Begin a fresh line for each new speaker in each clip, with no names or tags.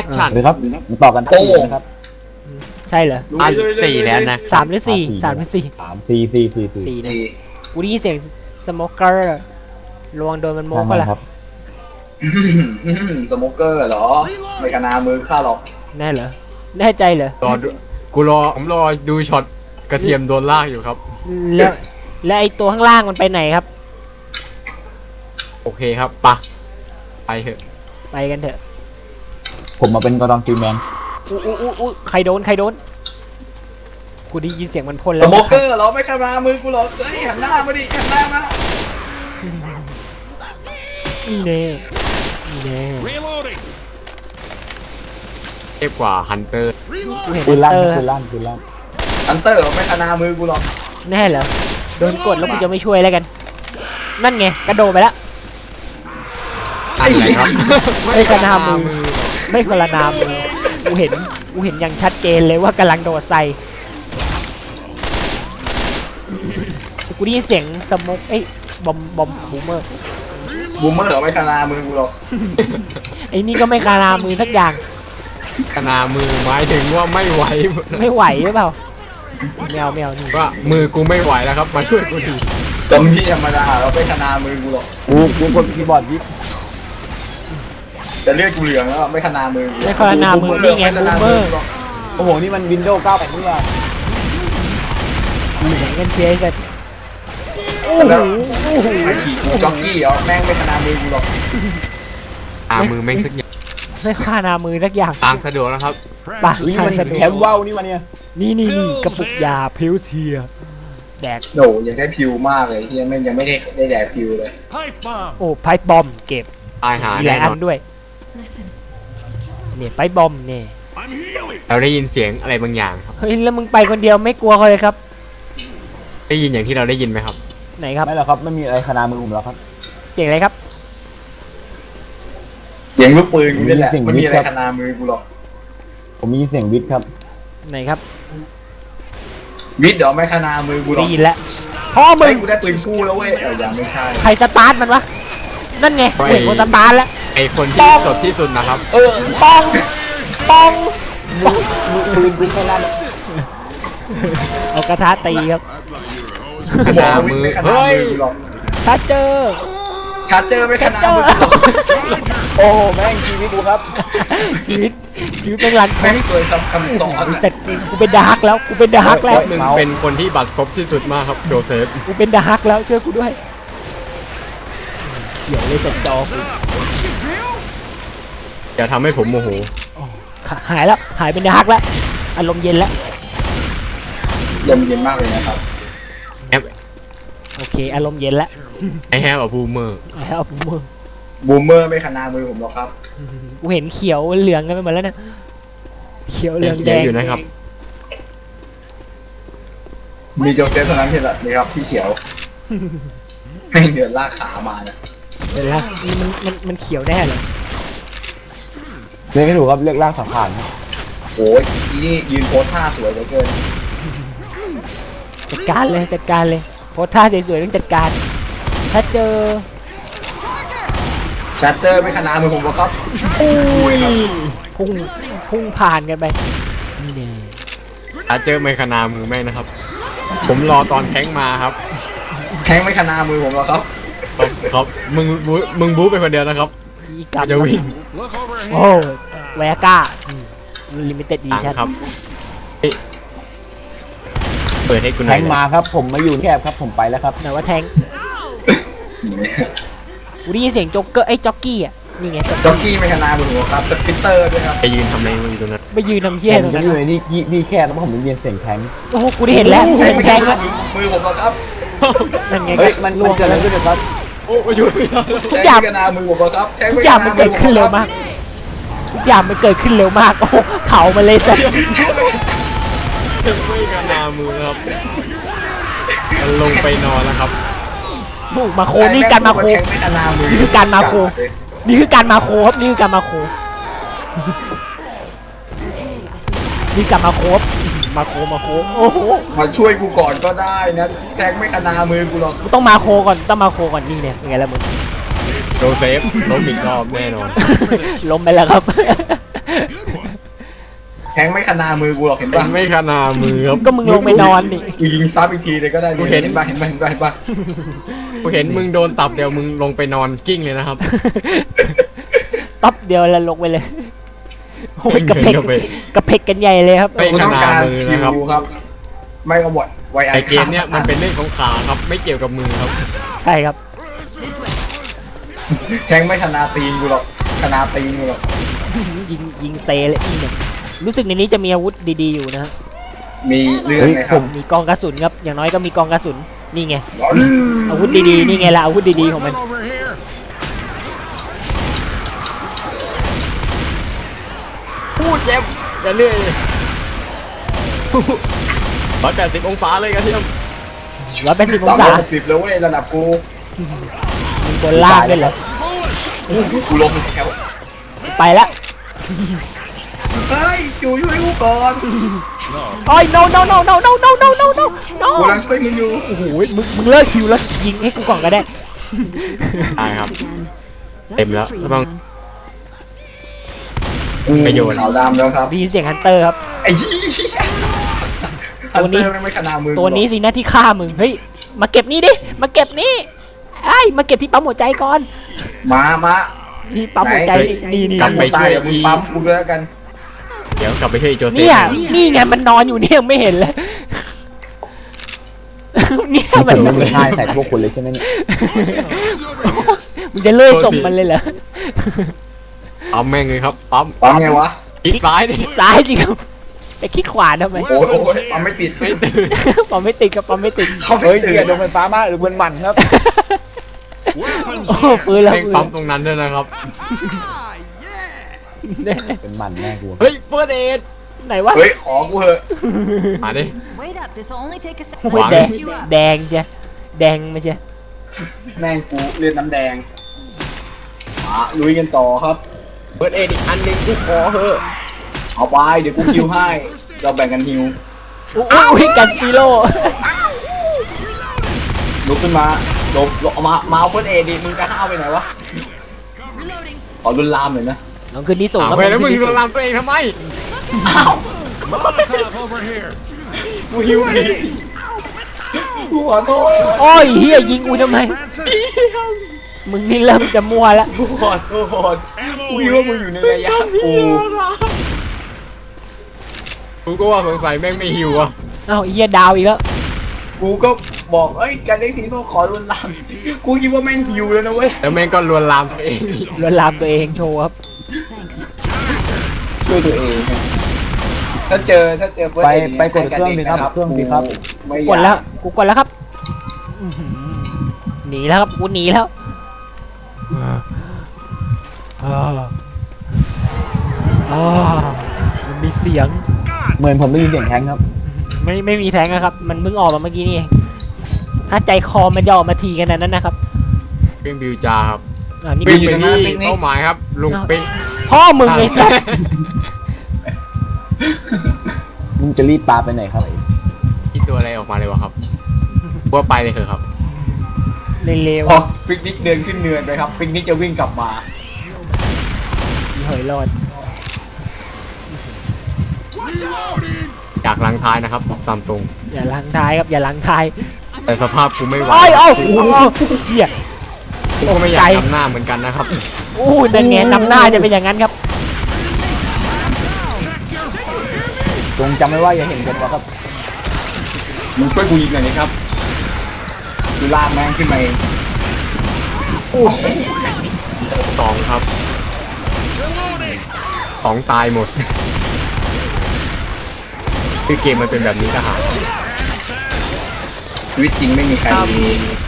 ชั่น
เลยครับมาต่อกันที่นะครับ
ใช่เหรอ
อัน4แล้วนะ
3 หรือ 4 3 หรือ 4
4
4เนี่ยกูได้ยินเสียงสโมเกอร์ระวังโดนมันโมกก็ล่ะ
ครับ
สโมเกอร์เหรอไม่กระนามือข้าหรอก
แน่เหรอแน่ใจเหรอ
ผมรอดูช็อตกระเทียมโดนลากอยู่ครับ
แล้วไอตัวข้างล่างมันไปไหนครับ
โอเคครับปะไปเถอะ
ไปกันเถอะ
ผมมาเป็นกอร์ดอนฟรีแมน
อู้ใครโดนกูได้ยินเสียงมันพ่น
ส
แล้ว
โมเกอร์เหรอไม่กระนามือกูหรอกเฮ้ยหันหน้ามาดิหันหน้ามา
นี่แน่นี่แน่
เทพกว่าฮันเตอร์
กูเห็น
ปืนลั่น
เตอร์
ปืนลั่นปืนลั่น
ฮันเตอร์เหรอไม่กระนามือกูหรอก
แน่เหรอโดนกดแล้วกูจะไม่ช่วยแล้วกัน นั่นไงกระโดดไปแล้ว
อะไรครับ
ไม่กระนามือ ไม่กระนามือกูเห็นอย่างชัดเจนเลยว่ากำลังโดดใส่กูได้ยินเสียงสโมกบอมบูมเมอร์
บูมเมอร์เหรอไม่กระนามือกูหรอก
ไอ้นี่ก็ไม่กระนามือสักอย่าง
ขนามือหมายถึงว่าไม่ไหว
ไม่ไหวหรือเปล่าแมวนี่
ว่ามือกูไม่ไหวแล้วครับมาช่วยกูที
จมที่ธรรมดาเราไม่กระนามือกูหรอก
กูกดคีย์บอร์ดยิบ
จะเรียกกูเหลืองแล้วไม่กระนามือกู
ไม่กระนามือนี่ไงบูมเมอร์
โอ้โหนี่มันวินโดว์9นี่ว่า
เหลืองกันเชียร์กันโอ้
แล้ว
โห
ไอ้ขี่จ็อกกี้เหรอแม่งไม่กระนามือกูหรอก
มือแม่งสักอย่าง
ไม่กระนามือสักอย่าง
ทางสะดวกนะครับ
ปะ
นี่มันแคมป์ว่าวนี่มาเนี่ย
นี่กระปุกยาพิวเทียแดก
โหยังได้พิวมากเลยที่แม่งยังไม่ได้แดกพิวเลย
โอ้ไพ่บอมเก็บ
ตายหา
มีห
แน่
ลายอั
น
น
อน
ด้วยเนี่ยไพ่บอมเนี่ย
เราได้ยินเสียงอะไรบางอย่างครับ
เฮ้ยแล้วมึงไปคนเดียวไม่กลัวเขาเลยครับ
ได้ยินอย่างที่เราได้ยินไหมครับ
ไหนครับ
ไม่หรอกครับไม่มีอะไรขนามือผมแล้วครับ
เสียงอะไรครับ
เสียงลูกปืนกูนี่แหละไม่มีอะไรกระนามือกูหรอก
ผมมีเสียงวิทย์ครับ
ไหนครับ
วิทย์เดี๋ยวไม่กระนามือกูหร
ได้
อก
ยินแล้วพ่อมึ
เฮ้ย
ง
กูได้ปืนคู่แล้วเว้ยยังไม่ใช่
ใครสตาร์ทมันวะนั่นไงเห็นคนสตาร์ทแล้ว
ไอคนที่สดที่สุดนะครับ
ปอง
ปืนกูแค่นั้น
เอากระทะตีครับ
ขนามือเฮ้ย
ถ้าเจอ
ชาร์เจอร์ไม่ขนา
เจอ
มือ
โอ้แม่งชีวิตกูครับ
ชีวิตเป็นรัน
แม่งเคยทำคำสอน
เสร็จกูเป็นดาร์กแล้วกูเป็นดาร์กแล้ว
มึงเป็นคนที่บัตรครบที่สุดมากครับโจเซฟ
กูเป็นดาร์กแล้วช่วยกูด้วยเขียวเลยจัดจอกู
อย่าทำให้ผมโมโห
หายแล้วหายเป็นดาร์กแล้วอารมณ์เย็นแล้ว
ลมเย็นมากเลยนะครับ
โอเคอารมณ์เย็นแล้ว
ไอแฮมกับบูมเมอร์
เอามือ
บูมเมอร์ไม่ขนามือผมหรอกครับ
กูเห็นเขียวเหลืองกันไปหมดแล้วนะเขียวเหลืองแด
เขียว
ง
อยู่นะครับ
มีโจเซฟเท่านั้นที่ละนี่ครับที่เขียวให้เดือดลากขามานะ
เดี๋ยวนะมันเขียวแน่เลย
เรียกไม่ถูกครับเรียกร่างสังขารครับ
โอ้ยนี่ยืนโพสท่าสวยเหลือเกิน
จัดการเลยโพสท่าสวยๆต้องจัดการ ถ้าเจอ
ชาร์เจอร์ไม่ขนามือผมหรอกครับ
อุ้ยพุ่งผ่านกันไปนี่แน่
ถ้าเจอไมคานามือแม่งนะครับ ผมรอตอนแท้งมาครับ
แทงไม่ขนามือผมหรอกครับ
ครับมึงบู๊ไปคนเดียวนะครับ
อีกรรม
จะวิ่ง
โอ้แวก้าลิมิเต็ดดี
ตัง
ชั่น
ครับเฮ้ยเปิดให้คุณห
แท
น่อย
งมาครับผมมาอยู่แคบครับผมไปแล้วครับ
ไหนว่าแทงกูได้ยินเสียงโจ๊กเกอร์จ็อกกี้อ่ะนี่ไง
จ็อกกี้ไม่ขนามือผมหรอกครับสปิตเตอร์ด้วยครับ
ไปยืนทำอะไรอยู่ตรงนั้น
ไปยืนทำเชี่ย
ผ
ตร
ม
ง
จะ
นั้น
อยู่ในนี่แคบแล้วผมได้ยินเสียงแทง
โอ้โหกูได้เห็นแล้วกูเห็นแทงแล้ว
มือผมหรอกครับ
นั่นไง
เฮ้ยมันเกิดอะไรขึ้นครับ
โอ้ยช่วยไม่ได้
ทุกอย่าง
แทงไม่ขนามือผมหรอกครับแทง
ทุ
ไม่
ก
ข
อย่าง
นา
มัน
มื
เกิ
อ
ด
ผม
ขึ้น
หร
เร็
อ
ว
กครับ
มากทุกอย่างมันเกิดขึ้นเร็วมากโอ้โหเผามาเลยสัส
ไม่กันนามือครับมันลงไปนอนแล้วครับ
บุกมาโคนี่การมาโค
แทงไม่ขนามือ
นี่คือการมาโค นี่คือการมาโคครับนี่คือการมาโคนี่การมาโคครับมาโคโอ้โห
มาช่วยกูก่อนก็ได้นะแทงไม่ขนามือกูหรอก
กูต้องมาโคก่อนนี่เนี่ยเป็นไงล่ะมึง
โจเซฟล้มอีกรอบแน่นอน
ล้มไปแล้วครับ
ทงไม่ขนามือกูหรอกเห็น
เป็
ป่ะ
นไม่ขนามือครับ
ก็มึงลงไปนอนนี่
กูยิงซ้ำอีกทีเลยก็ได้
กูเห็น
เห็นป่ะเห็นป่ะเห็นป่ะเห็นป่ะ
กูเห็นมึงโดนตับเดียวมึงลงไปนอนกิ้งเลยนะครับ
ต๊อบเดียวแล้วลงไปเลยโอ้ยกระเพก
กระเพก
กระเพกกันใหญ่เลยครับ
ไม่
กูต้องการ
ขนามือ
คิ
นะครับ
วครับ ไม่กระบดไวไอ
ไอเกมเนี่ยมันเป็นเรื่องของขาครับ ไม่เกี่ยวกับมือครับ
ใช่ครับ
แทงไม่ขนาตีนกูหรอกขนาตีนกูหรอก
ยิงเซเลยอีเนี่ยรู้สึกในนี้จะมีอาวุธดีๆอยู่นะฮะ
มีเรื่องไหมครับ
มีกองกระสุนครับอย่างน้อยก็มีกองกระสุนนี่ไงอาวุธดีๆนี่ไงล่ะอาวุธดีๆของมัน
พูดเจ็บอย่าเรื่อย180 องศาเลยกระเทียม
180 องศา
10แล้วเว้ยระดับกู
มึงบนล่างด้วยเหรอ
กูลงแถว
ไปละ
เฮ้ยจูช่วยกูก่อน
โอ้ย no no no no no no no no no no
กูรังช่วยมึงอยู่
โอ้โหมึงเลิกคิวแล้วยิงให้กูก่อนก็ได้
ได้ครับ เต็มแล้วต้อง ประโยชน์
ขาวดำแล้วครับ
ได้ยินเสียงฮันเตอร์ครับ
ไอ้ยี่
ตัวนี้
ไม่ขนามือ
ตัวนี้สินะที่ฆ่ามึงเฮ้ยมาเก็บนี่ดิมาเก็บนี่ไอ้มาเก็บที่ปั๊มหัวใจก่อน
มา
ที่ปั๊มหัวใจนี่นี่
กลับไป
ตายเดี๋ยวมึงปั๊มกูด้วยแล้วกัน
เดี๋ยวกลับไปช่วยโจเซฟ
เนี่ยนี่ไงมันนอนอยู่เนี่ยไม่เห็นเลยเนี่ย
ผ
มัน
มไม่มีท่าใส่พวกคุณเลยใช่ไหมเนี่ย
มึงจะเลื่อยส่งมันเลยเหรอ
ปั๊มแม่งเลยครับปั๊ม
ปั๊มไงวะ
คลิกซ้ายดิ
ซ้ายจริงครับไปคลิกขวาทำไม
โอ้ยปั๊มไม่ปิด
ไม่ตื่น
ปั๊มไม่ติดกับปั๊มไม่ติด
เขาไม่
เฮ้ย
ตื่
เกีย
น
ร์โดนไฟฟ้ามากหรือมันหมันครับ
โอ้ปืนแล้ว
แม่ง
ปืน
ปั๊มตรงนั้นด้วยนะครับ
เป็นหมันแน่กู
เฮ้ยเฟิร์สเอด
ไหนวะ
เฮ้ยขอกูเหอะ
มาดิ
Wait up, this will only take a
โอ้
second.
ย
วาง
แดงแดงจ้ะแดงไม่ใช่
แม่งกูเลือดน้ำแดงมาลุยกันต่อครับ
เฟิร์สเอดอีกอันหนึงกูขอเถอะ
เอาไปเดี๋ยวกูคิวให้เราแบ่งกันฮิว
อุ้ยกันฟิโล
ลุกขึ้นมาหลบเอามาเอาเฟิร์สเอดิมึงจะห้าวไปไหนวะ
Reloading.
ขอรุนลามหน่อยนะ
น้องขึ้นที่สูง
อ้าว
ครับ
เฮ้ยแล้วมึง
ขึ้นที่
ล
สู
วนลามตัวเองทำไม
อ้าวกูฮิวดีกูขอโทษ
โอ้ยเฮียยิงกูทำไมมึงนี่เริ่มจะมัวแล้ว
กูขอโทษกูคิดว่ามึงอยู่ในระยะกู
กูก็ว่าสงสัยแม่งไม่หิวอ่ะ
เอ้าเฮียดาวอีกแล้ว
กูก็บอกเอ้ยการเล่นทีก็ขอรุนลามกูคิดว่าแม่งฮิวแล้วนะเว้ย
แล้วแม่งก็ลวนลามตัวเอง
ลวนลามตัวเองโชว์ครับ
Thanks.
ช่วยตัวเองถ้าเจอเฟิร์ส
ไป
เอด
ไปกดเครื่องดิครับเครื่องดิครับ
ไม่
กดแล้วกูกดแล้วครับอื้อหือหนีแล้วครับกูหนีแล้วมันมีเสียง
เหมือนผมได้ยินเสียงแทงครับ
ไม่มีแทงนะครับ มันเพิ่งออกมาเมื่อกี้นี่เองถ้าใจคอมันจะออกมาทีขนาดนั้นนะครับ
เครื่องบิวจาครับ
นี่
วิ่ง
คือ
ไปที่เป้าหมายครับ ลุงปิ๊ง
พ่อมึงไอ้สัส
มึงจะรีบปาไปไหนครับ
ที่ตัวอะไรออกมาเลยวะครับว่าไปเลยเถอะครับ
เร็ว
พอปิกนิกเดินขึ้นเนินไปครับปิกนิกจะวิ่งกลับมา
ๆอีเหยรอด
จากหลังท้ายนะครับบอกตามตรง
อย่าล้างท้ายครับอย่าล้างท้าย
แต่สภาพกูไม่ไหว
โอ้ยเอ้าโอ้โหเหี้ย
กูก็ไม่อยากทำหน้าเหมือนกันนะครับ
โอ้ยแต่แงนำหน้าจะเป็นอย่างนั้นครับ
จงจำไว้ว่าอย่าเห็นกันนะครับ
มึงช่วยกูยิงหน่อยนะครับกูลากแม่งขึ้นมาเอง
สองครับสองตายหมด คือเกมมันเป็นแบบนี้ทหาร
ชีวิตจริงไม่มีใครมี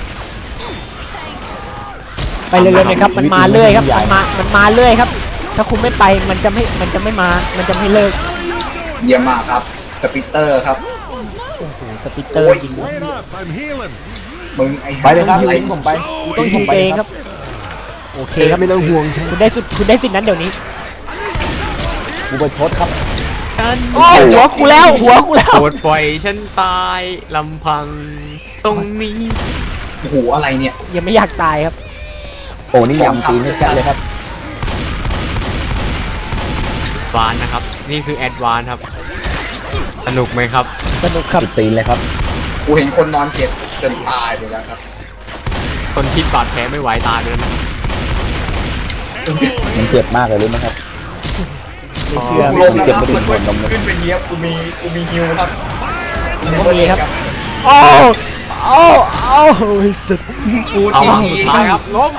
ไปเร็วๆเลยครับมันมาเรื่อยครับมันมาเรื่อยครับ ถ้าคุณไม่ไปมันจะไม่มามันจะไม่เลิก
เยี่ยมมากครับสปิเตอร์ครับ
สปิตเตอร์ยิง
มึงไอ้
ไปเลยครับ
อะไร
ทิ้งผมไป
ต้องยิงเองครับโอเคครับ
ไม่ต้องห่วงฉัน
คุณได้สิทธิ์นั้นเดี๋ยวนี้
กูไปชดครับ
โอ้ยหัวกูแล้ว
โปรดปล่อยฉันตายลำพังตรงนี้
โอ้โหอะไรเนี่ย
ยังไม่อยากตายครับ
โอ้นี่ยำตีนนี่จัดเลยครับ
วานนะครับ นี่คือแอดวานครับ สนุกไหมครับ
สนุกครับ
ตีนเลยครับ
กูเห็นคนนอนเจ็บจนตายไปแล้วครับ
คนคิดบาดแผลไม่ไหวตายไปแล้วนะครับ
มันเจ็บมากเลยรู้ไหมครับ
ไม่เชื่อ
กูลงนะครับมันขึ้นไปเยียบกูมีฮิวครับ
ก็มีครับโอ้โอ้โอ้สุด
กู
เอา
ที่
วางสุดท้ายครับล้ม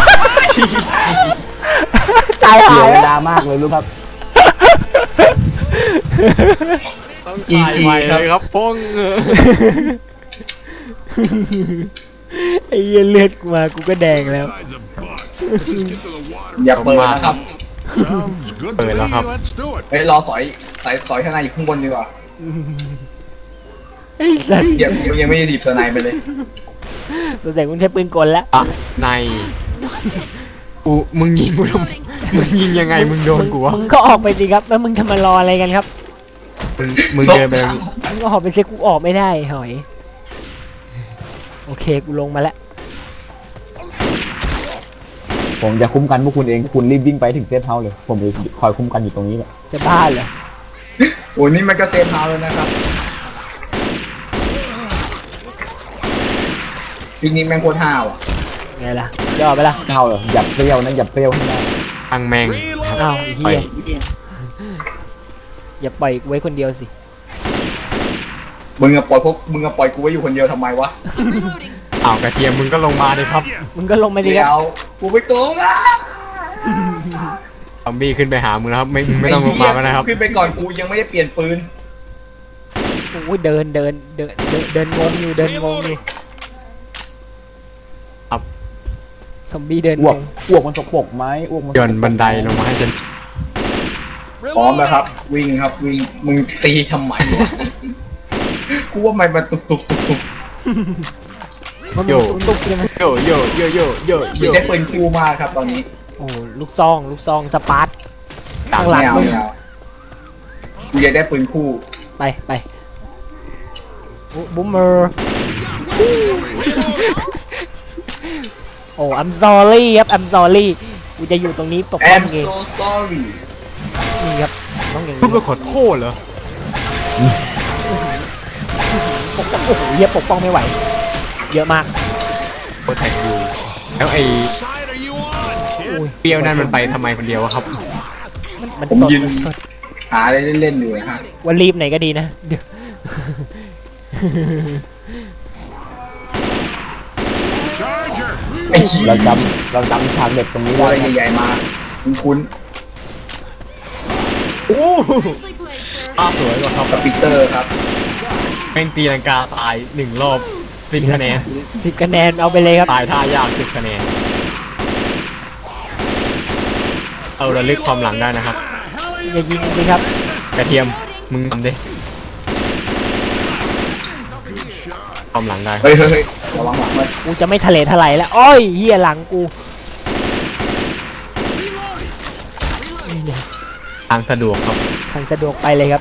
ตาย
เสี
หาย
เว
แล้ว
ลามากเลยรู้ครับ
ต้องตายใหม่เลยครับพง
ไอ้เหี้ยเลือดกูมากูก็แดงแล้ว
อย่าเปิดนะครับ
เปิดแล้วครับ
เฮ้ยรอสอยข้างในอยู่ข้างบนดีกว่า
ไอ้สัตว์
เดี๋ยวยังไม่ได้ดีบตัวในไปเลย
ตัวแต่คุณใช้ปืนกลแล้ว
อ่ะในมึงยิงกูทำไมมึงยิงยังไงมึงโดนกูวะ
มึงก็ออกไปสิครับแล้วมึงจะมารออะไรกันครับ
มึงเดินไปตรงนี้
มึงก็ออกไปเซ็กูออกไม่ได้หอยโอเคกูลงมาแล้ว
ผมจะคุ้มกันพวกคุณเองคุณรีบวิ่งไปถึงเซฟเฮาส์เลย ผมจะคอยคุ้มกันอยู่ตรงนี้แหละ
จะบ้าเหรอ
โอ้ยนี่มันก็เซฟเฮาส์แล้วนะครับปีนี้แม่งโคตรห้าวอ่ะ
ไงล่ะย่อไปละ
เฮาเหรอหยับเปรี้ยวนะหยับเปรี้ยวให้ได้
อังแมงครับ
อ้าวไอ้เฮียอย่าปล่อยกูไว้คนเดียวสิ
มึงอะปล่อยกูไว้อยู่คนเดียวทำไมวะ
Reloading.
อ้าวกระเทียมมึงก็ลงมาเลยครับ
มึงก็ลงมาดิ
เดี๋
ค
ย
รับ
วกูไปโกงอ่ะ
ซอมบี้ขึ้นไปหามึงแล้วครับไม่ต้องลงมาแล้วนะครับ
ขึ้นไปก่อนกูยังไม่ได้เปลี่ยนปืน
โอ้ยเดินงงอยู่เดินงงอยู่
ครับ
ซอมบี้เดิน
อ้ว
ง
ก
ง
อ้วกมันสกปรกไหมอ้วกมัน
ย่อนบันไดลงมาให้ฉัน
พร้อมแล้วครับ วิ่งครับวิ่งมึงตีทำไมวะกูว่ามันตุก
มันมีตุ๊กใช่ไหม
โยโยโยโยโยโย
มีได้ปืนคู่มากครับตอนนี้
โอ้ลูกซองสปาร์ต
ต่าง
ข้างหลัง
ไม่เอาไม่เอากูอยากได้ปืนคู่
ไปบูมเมอร์โอ้ I'm sorry ครับ I'm sorry กูจะอยู่ตรงนี้ปก
แอ
ป้อง
ม
เอง
so sorry
นี่ครับต้องอย่าง
พูด
นี้
ไปขอโทษเหรอ
ปกป้องโอ้โหเหี้ยปกป้องไม่ไหว เยอะมาก
โปรแทคอยู่แล้วไอ้
อุ้ย
เปรี้ยวนั่นมันไปทำไมคนเดียววะครับ
มัน
ผม
สด
ยืน
มันสด
หาอะไรเล่นๆอยู่นะฮะ
ว่ารีบไหนก็ดีนะเดี๋ยว
ไอ้เหี้ย
เราจำฉากเด็ดตรงนี้
ตัว
ได้
อะไร
นะ
ใหญ่ๆมาคุ้น
โอ้
Nicely played, sir.
ภาพสวยกว่าครับ
ๆสปิเตอร์ครับ
แม่งตีลังกาตาย1 รอบ10 คะแนน
10 คะแนนเอาไปเลยครับ
ตายท่ายาก10 คะแนน เอาระลึกความหลังได้นะครับ
อย่ายิงสิครับ
กระเทียมมึงทำดิความหลังได้
เฮ้ยระวังหลังเลย
กูจะไม่ทะเลทลายแล้วอ้อยเฮียหลังกูนี่ไง
ทางสะดวกครับ
ทางสะดวกไปเลยครับ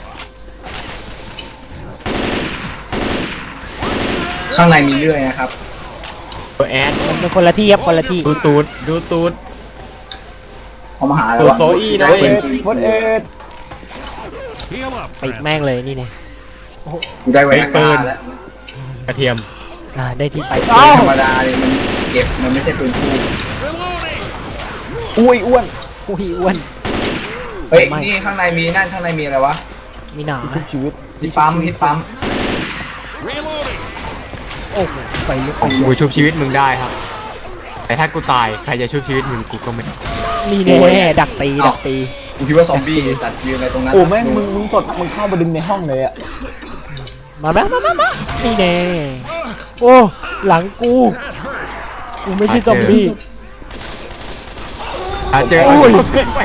ข้างในมีเรื่อยนะครับ
ตัวแอด
มันเป็นคนละที่ครับคนละที่
ดูตูดดูตูด
เขามาหาอะไร
ตัว
วะ
โซอี้นะ
ได้
เอ็
ปื
ด
น
พดเอ็ด
ปิดแม่งเลยนี่ไง
กูได้ไว้ปืนแล้ว
กระเทียม
ได้ที่ไป
ปื
อ้าน ว
ธรรมดาเนี่ยมันเก็บมันไม่ใช่ปืนคู่
อุ้ยอ้วน
อุ้ยอ้วน
เฮ้ย
ไม่
นี่ข้างในมีนั่นข้างในมีอะไรวะ
มีหนา
ทุกชีวิต
ที่ปั๊มที่ปั๊ม
โอ้โหไฟลุก
กูชุบชีวิตมึงได้ครับ แต่ถ้ากูตายใครจะชุบชีวิตมึงกูก็ไม่
นี่แน่ดักตี
กูคิดว่าซอมบี้ตัดยืนอะไรตรงนั้น
โอ้แม่งมึงสดมึงเข้ามาดึงในห้องเลยอะ
มานี่แน่โอ้หลังกูไม่ใช่ซอมบี้
เจอ
โอ้ย
ไป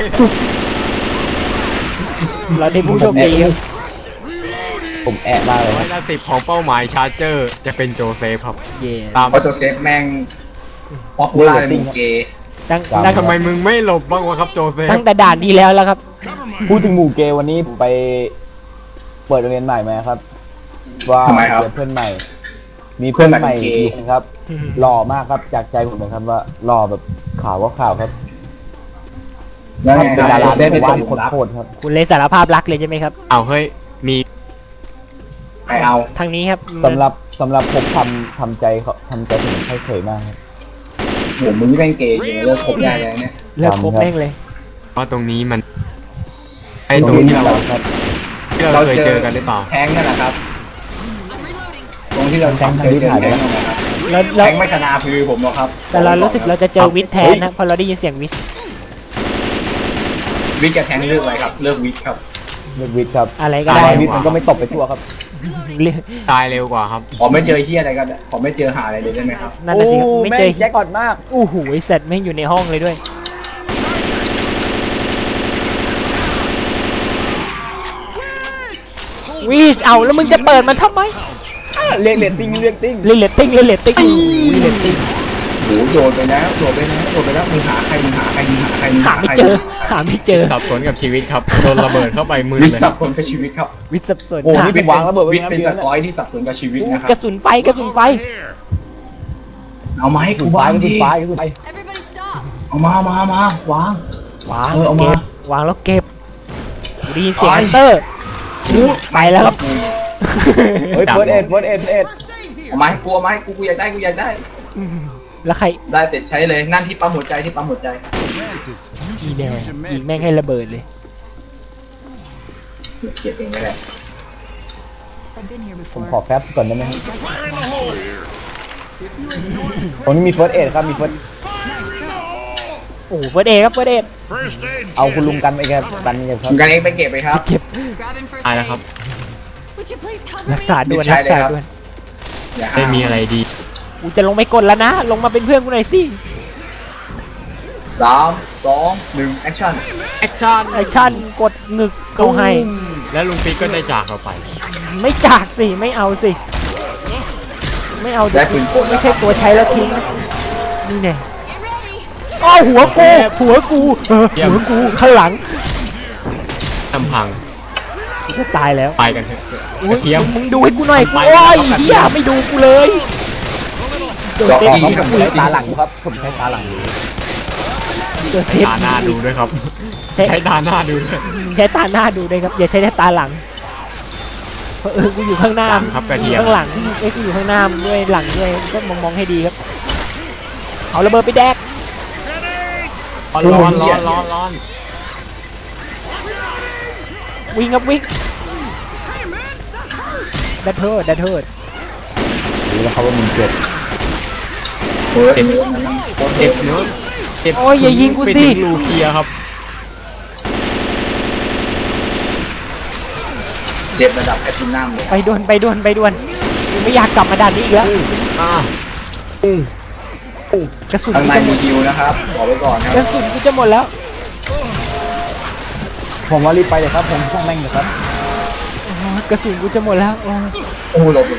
เราได้ผู้โชคดีครับ
ผมแอะมากเลยครับ
110ของเป้าหมายชาร์เจอร์จะเป็นโจเซฟครับ
เย่
ตาม
เพราะตัวเซฟแม่งป๊อปปูล่าในหมู่เกย์
ตั้ง
ทำไมมึงไม่หลบบ้างวะครับโจเซฟ
ตั้งแต่ด่านที่แล้วครับ
พูดถึงหมู่เกย์วันนี้ผมไปเปิดโรงเรียนใหม่มาครับ ว่า
ทำไมครับ
เจอเพื่อนใหม่ มีเพื่อนใหม่
เพื่อนใหม่เป็นเกย์
อีกคนครับหล่อมากครับจากใจผมเลยครับว่าหล่อแบบขาวก็ขาวครับ
แล้วไง
เป็นดารา
เซฟเป็น
ว่า
ตัว
คน
รับ
โคตรครับ
คุณเลยสารภาพรักเลยใช่ไหมครับ
เอาเฮ้ยมี
ใครเอา
ทางนี้ครับ
สำหรับผมทำใจถึงเฉยๆมากครับ
โหมึงนี่เป็นเกย์อยู่เลิกคบได้แล้วเนี่ย
เลิกคบแม่งเลย
เพราะตรงนี้มันไอ้ตรงที่เรา
ครับ
เคยเจอกันหรือเปล่า
แทงนั่นแหละครับ
I'm reloading.
ตรงที่เราเคยเจอแทงนั่นแหละครับ
แล้ว
แทงไม่ชนะคือผมหรอกครับ
แต่เรารู้สึกเราจะเจอวิทย์แทนนะพอเราได้ยินเสียงวิทย์
วิกกับแทงเลือกอะไรครับเลือกวิกครับ
เลือกวิทย์ครับ
อะไรก็
ตา
ได้
ยวิทย์มันก็ไม่ตกไปทั่วครับ
เรียก
ตายเร็วกว่าครับ
ขอไม่เจอเฮียอะไรกันขอไม่เจอหาอะไรเลยได้ไหมครับ
นั่นน่ะสิครับไม่เจอ
แจ็คกอดมาก
อู้หูไอสัตว์แม่งอยู่ในห้องเลยด้วยวิชเอาแล้วมึงจะเปิดมันทำไม
เรียกเรตติ้ง
เล่นเลตติ้งอู้หูเลตติ้ง
โหโดดไปแล้วมึงหาใคร
หาไม่เจอหาไม่เจอ
สับสนกับชีวิตครับโดนระเบิดเข้าไปมือ
วิ
เลย
สับคนกับชีวิตครับ
วิทย์สับสน
โอ้
หา
นี่ผมวางระเบิดไว้
วิท
นะ
เป็น
เดื
ส
อน
กอยที่สับสนกับชีวิตนะครั
กระ
บ
สุนไฟกระสุนไฟ
เอามาให้กู
คุณ
วา
ฟ้าง ก็
ดิ
คุณฟ้าก็คุณไป
Everybody stop.
เอามาวาง
วาง
เอามา
เก็บวางแล้วเก็บกูได้ยินเสียงฮันเตอร์ไปแล้วครับ
เฮ้ยเฟิร์สเอ็ด
เอามาให้กูกูอยากได้
แล้วใคร
ได้เสร็จใช้เลยนั่นที่ปั๊มหัวใจ
อีแน่ยิงแม่งให้ระเบิดเลย
เก็บเองไม่ได้
I've been here
ผม
before.
ขอแฟบก่อนได้ไหมครับตรงนี้มีเฟิร์สเอ็ดครับมีเฟิร์ส
โอ้โหเฟิร์สเอครับเฟิร์สเอ
เอาคุณลุงกันไปครับกันไปครับ
ผมกันเองไปเก็บไปครับ
เก็บ
Grabbing first
ตาย
aid.
แล้วครับ
Would you please cover
รักษา
me?
ด่วน
ใช่
รัก
เลย
ษา
ครับ
ด่วน
อย่า
ไม่มีอะไรดี
กูจะลงไปกดแล้วนะ ลงมาเป็นเพื่อนกูหน่อยสิ
3 2 1 แอคชั่น
แอคชั่น
ไอชั่นกดหนึกเขาให้
และลุงปิ๊กก็ได้จากเราไป
ไม่จากสิไม่เอาสิไม่เอา
ได้ปืนกล
ไม่ใช่ตัวใช้แล้วทิ้งนะนี่แน่
Get ready.
อ้าวหัวกูหัวกูหัวกูข้างหลัง
ทำพัง
กูจะตายแล้ว
ไปกันเถอะก
อุ๊ย
ระเทียม
มึงดูให้กูหน่อยกู
ไป
โอ้ย
แล้ว
เฮียไม่ดูกูเลยเจอ
จอ
เซ
ด
ฟ
ดีครับ
ผมใช้ตาหลังครับผมใช้ตาหลัง
เจอเซฟ
ตาหน้าดูด้วยครับ ใช้ตาหน้าดูด้วย
ใช้ตาหน้าดูด้วยครับอย่าใช้แต่ตาหลังเพราะกูอยู่ข้างหน้า
ครับกระเทียม
ข้างหลังกูอยู่ข้างหน้ามึงด้วยหลังด้วยก็มองให้ดีครับเอาระเบิดไปแดก
ร้อน
วิ่งครับวิ่งดัดเทิด
รู้แล้วครับว่ามึงเจ็บ
เจ็บเจ็บเนื้อเจ็บ
โอ้ยอย่ายิงกู
ไป
สิ
ถึงรูเคลียร์ครับ
เจ็บระดับแอตตินัมเลย
ไปด่วนกูไม่อยากกลับมาด่านนี้อีกแล้ว
อ่า
กระสุน
ข้าง
กู
ใน
จะหม
มี
ด
ฮิวนะครับบอกไว้ก่อนครับ
กระสุนกูจะหมดแล้ว
ผมว่ารีบไปเลยครับผมช่างแม่งเลยครับ
กระสุนกูจะหมดแล้ว
โอ้โหหลบ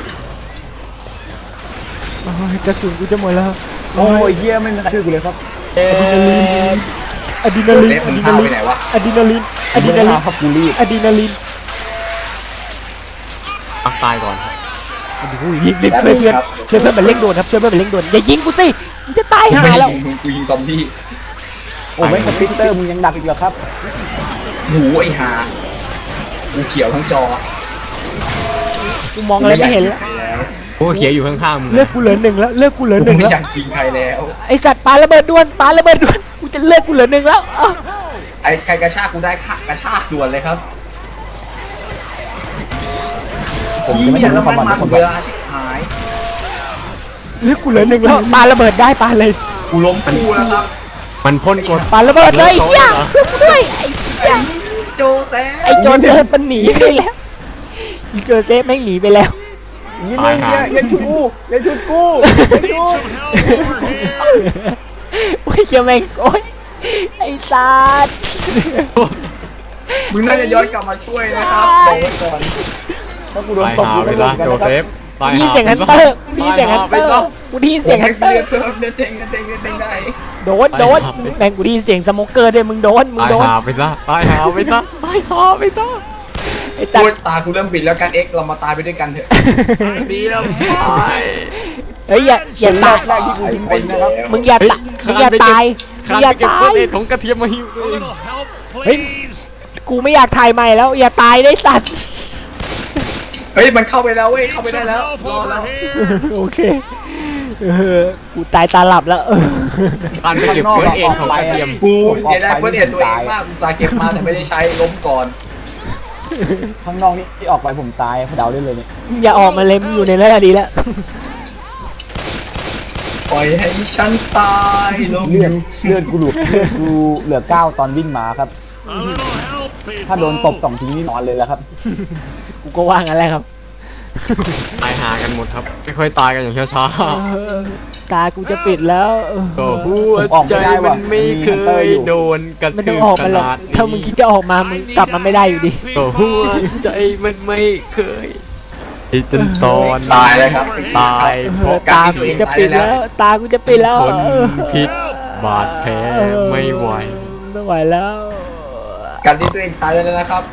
กระสุนกูจะหมดแล้ว
โอ้ยเยี่ยไม่มีใครช่วยกูเลยครับ
อะดรีนาลีน
เซฟมึงพาไปไหนวะ
อะดรีนาลีน
ครับกูรีบ
อะดรีนาลีน
ปักตายก่อนครับ
รีบช่วยเพื่อนมันเร่งด่วนครับช่วยเพื่อนมันเร่งด่วนอย่ายิงกูสิมึงจะตายหาแล้ว
กูยิงซอมบี้
โอ้ไม่สปิตเตอร์มึงยังดักอีกเหรอครับ
หูไอ้ห่ากูเขียวทั้งจอ
กูมองอะไรไม่เห็นแล้ว
โอ้เขียวอยู่ข้างๆมึง
เลือกกูเหลือหนึ่งแล้วเลือกกูเหลือ
กู
หนึ่ง
ไม่
แล้ว
อยากยิงใครแล้ว
ไอสัตว์ปาระเบิดด่วนกูจะเลือกกูเหลือหนึ่งแล้ว
ไอ้ใครกระชากกูได้กระชากส่วนเลยครับ
ผมจะไม่ทำให้ความหวัง
มั
ทุกคน
เว
ไป
ลาชิบหาย
เลือกกูเหลือหนึ่งแล้วปาระเบิดได้ปาเลย
กูล้มกูแล้วครับ
มันพ่นกด
ปาระเบิดเลยเฮียช่วยกูด้วยไอ้เหี้ย
โจแซ
ไอ้โจเซฟมันหนีไปแล้วไอ้โจเซฟแม่งหนีไปแล้ว
ยิงเลยอย่าชุดกูอย่าชุดกูอย่าชุด
โอ้ยเชี่ยแม่งโอ้ยไอ้สัตว์
มึงน่าจะย้อนกลับมาช่วยนะครับบอกไว้ก่อน
ถ้ากูโดน
ตาย
ตบ
หา
กู
ไป
ไม่
ละ
รู้กัน
โจ
นะครับ
เซฟตาย
กูได้ยิน
หา
เสียงฮันเตอร์กูได้ยินเสียงฮันเตอร์กูได้ยินเสียงฮันเตอร์
เลือดเต็งได้
โดนแม่งกูได้ยินเสียงสโมเกอร์ด้วยมึงโดน
ตายหาไปซะตายหาไปซะตายหาไปซะ
ไอ้สัต
พูด
ว์
ตากูเริ่มปิดแล้วกันเอ็กเรามาตายไปด้วยกันเถอะ
ดีแล้วไป
เฮ้ยอย่าตาย
แรกที่กูยิงคนนะครับ
มึงอย่าตาย
คาน
อย่า
ไปเก็บ
ตาย
เฟิร์สเอดของกระเทียมมาหิวเลย
เฮ้ย กูไม่อยากถ่ายใหม่แล้ว อย่าตายได้สัตว์
เฮ้ยมันเข้าไปแล้วเว้ยเข้าไปได้แล้วรอแล้ว
โอเคกูตายตาหลับแล้ว
คานไปเก็บเฟิร์สเอดของกระเทียม
กูเสียดายเพื่อนเห็นตัวเองมากอุตส่าห์เก็บมาแต่ไม่ได้ใช้ล้มก่อน
ข้างนอกนี่ที่ออกไปผมตายเดาได้เลยเนี่ย
อย่าออกมาเลยมึงอยู่ในนั้นดีแล้ว
ปล่อยให้ฉันตายลง
เลือดกูเหลือ9ตอนวิ่งมาครับ ถ้าโดนตบ2ทีนี่นอนเลยแล้วครับ
กูก็ว่างั้นแหละครับ
ตายหากันหมดครับ ไม่ค่อยตายกันอย่างช้า
ตากูจะปิดแล้ว
ๆก็หัวใจมันไม่เคยโดนกระ
ไม่ต้
ทื
อง
บ
ออก
ข
มาหรอก
นาด
ถ้ามึงคิดจะออกมา มึงกลับมาไม่ได้อยู่ดี
ก็หัวใจมันไม่เคยที่จนตอน
ตายเลยครับ
ตายเพราะ
ตากูจะปิดแล้ว ตากูจะปิดแล้ว
ทนพิษบาดแผลไม่ไหว
ไม่ไหวแล้ว
การที่ตัวเองตายแล้วนะครับ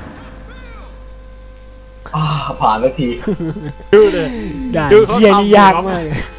ผ่านแล้วที
ดูเลย
ด่าน
ดูเขา
เฮียนี่
ทำ
ยาก
ครับ
มากเลย